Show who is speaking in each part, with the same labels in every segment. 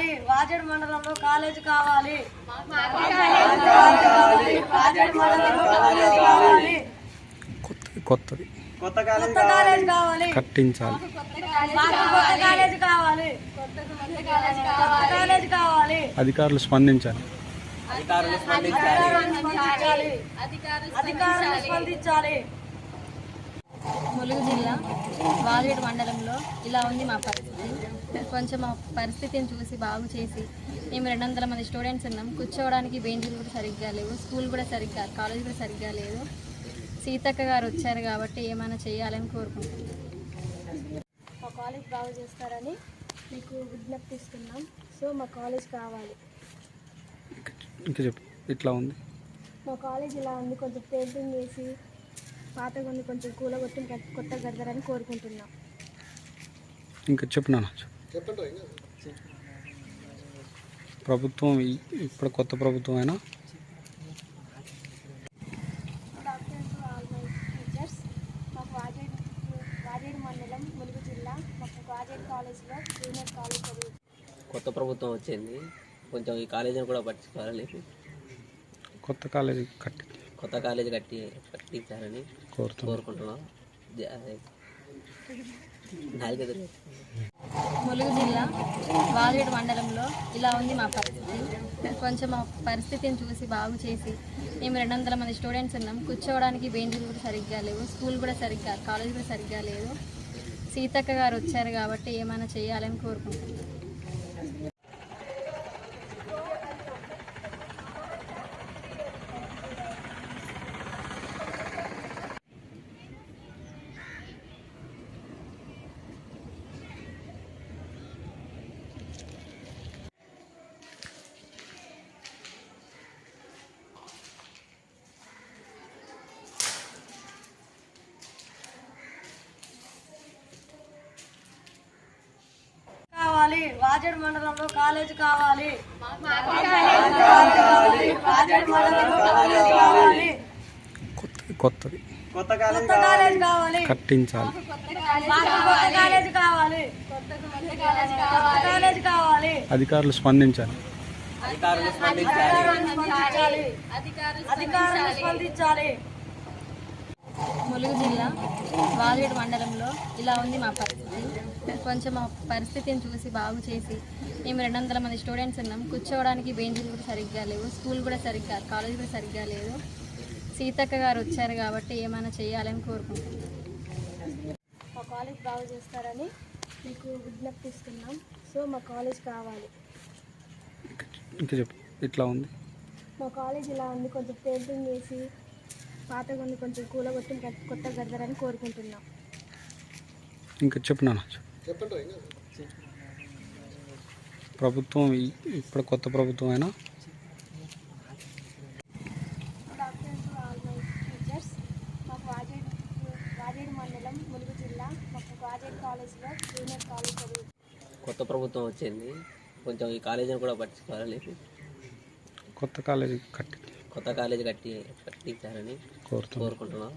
Speaker 1: కావాలి వాజేడు మండలంలో కాలేజ్ కావాలి
Speaker 2: కొత్తది
Speaker 1: కొత్త కాలేజ్ కావాలి
Speaker 2: కట్టించాలి.
Speaker 1: కొత్త కాలేజ్ కావాలి కాలేజ్ కావాలి
Speaker 2: అధికారులు స్పందించాలి.
Speaker 1: అధికారులు స్పందించాలి.
Speaker 3: ములుగు జిల్లా వాజేడు మండలంలో ఇలా ఉంది మా పరిస్థితి. కొంచెం మా పరిస్థితిని చూసి బాగు చేసి మేము 200 మంది స్టూడెంట్స్ ఉన్నాం. కూర్చోవడానికి బెంచీలు కూడా సరిగ్గా లేవు, స్కూల్ కూడా సరిగ్గా, కాలేజ్ కూడా సరిగ్గా లేదు. సీతక్క గారు వచ్చారు కాబట్టి ఏమైనా చేయాలని కోరుకుంటున్నాం.
Speaker 4: మా కాలేజ్ బాగు చేస్తారని మీకు విజ్ఞప్తిస్తున్నాం. సో మా కాలేజ్ కావాలి.
Speaker 2: ఇంకా చెప్పు, ఇట్లా ఉంది.
Speaker 4: మా కాలేజ్ ఇలా ఉంది, కొంచెం పెయింటింగ్ వేసి పాతగా ఉంది, కొంచెం కూలగొట్టి కొత్త కడతారని కోరుకుంటున్నాం.
Speaker 2: ఇంకా చెప్పు నాన్న. ప్రభుత్వం ఇప్పుడు కొత్త ప్రభుత్వం అయినా
Speaker 4: మాకు వాజేడు మండలం ములుగు జిల్లా మాకు వాజేడు కాలేజ్లో జూనియర్ కాలేజ్ చదువు.
Speaker 5: కొత్త ప్రభుత్వం వచ్చింది, కొంచెం ఈ కాలేజీని కూడా పట్టించుకోవాలని
Speaker 2: కొత్త కాలేజీ
Speaker 5: కట్టించాలని కోరుకుంటున్నాం.
Speaker 3: ములుగు జిల్లా వాజేడు మండలంలో ఇలా ఉంది మా పరిస్థితి. కొంచెం మా పరిస్థితిని చూసి బాగు చేసి మేము 200 మంది స్టూడెంట్స్ ఉన్నాం. కూర్చోవడానికి బెంచీలు కూడా సరిగ్గా లేవు, స్కూల్ కూడా సరిగ్గా, కాలేజ్ కూడా సరిగ్గా లేదు. సీతక్క గారు వచ్చారు కాబట్టి ఏమైనా చేయాలని కోరుకుంటున్నాం.
Speaker 1: వాజేడు మండలంలో కాలేజ్ కావాలి
Speaker 2: కొత్తది
Speaker 1: కొత్త కాలేజ్ కావాలి
Speaker 2: కట్టించాలి.
Speaker 1: కాలేజ్ కావాలి కాలేజ్ కావాలి
Speaker 2: అధికారులు స్పందించాలి.
Speaker 1: అధికారులు స్పందించాలి.
Speaker 3: ములుగు జిల్లా వాజేడు మండలంలో ఇలా ఉంది మా పరిస్థితి. కొంచెం మా పరిస్థితిని చూసి బాగు చేసి మేము 200 మంది స్టూడెంట్స్ ఉన్నాం. కూర్చోవడానికి బెంచీలు కూడా సరిగ్గా లేవు, స్కూల్ కూడా సరిగ్గా, కాలేజ్ కూడా సరిగ్గా లేదు. సీతక్క గారు వచ్చారు కాబట్టి ఏమైనా చేయాలని కోరుకుంటున్నాం.
Speaker 4: మా కాలేజ్ బాగు చేస్తారని మీకు విజ్ఞప్తిస్తున్నాం. సో మా కాలేజ్ కావాలి.
Speaker 2: ఇంకా చెప్పు, ఇట్లా ఉంది.
Speaker 4: మా కాలేజ్ ఇలా ఉంది, కొంచెం పెయింటింగ్ వేసి పాతగా ఉంది, కొంచెం కూలగొట్టి కొత్త కడతారని కోరుకుంటున్నాం.
Speaker 2: ఇంకా చెప్పు నాన్న. ప్రభుత్వం ఇప్పుడు కొత్త ప్రభుత్వం అయినా
Speaker 4: మాకు వాజేడు మండలం ములుగు జిల్లా మాకు వాజేడు కాలేజ్లో జూనియర్ కాలేజ్ చదువు.
Speaker 5: కొత్త ప్రభుత్వం వచ్చింది, కొంచెం ఈ కాలేజీని కూడా పట్టించుకోవాలని
Speaker 2: కొత్త కాలేజీ
Speaker 5: కట్టించాలని కోరుకుంటున్నాం.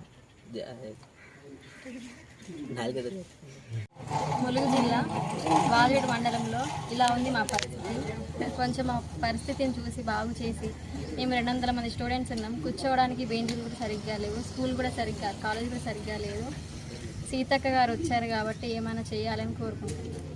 Speaker 3: ములుగు జిల్లా వాజేడు మండలంలో ఇలా ఉంది మా పరిస్థితి. కొంచెం మా పరిస్థితిని చూసి బాగు చేసి మేము 200 మంది స్టూడెంట్స్ ఉన్నాం. కూర్చోవడానికి బెంచీలు కూడా సరిగ్గా లేవు, స్కూల్ కూడా సరిగ్గా, కాలేజ్ కూడా సరిగ్గా లేదు. సీతక్క గారు వచ్చారు కాబట్టి ఏమైనా చేయాలని కోరుకుంటున్నాం.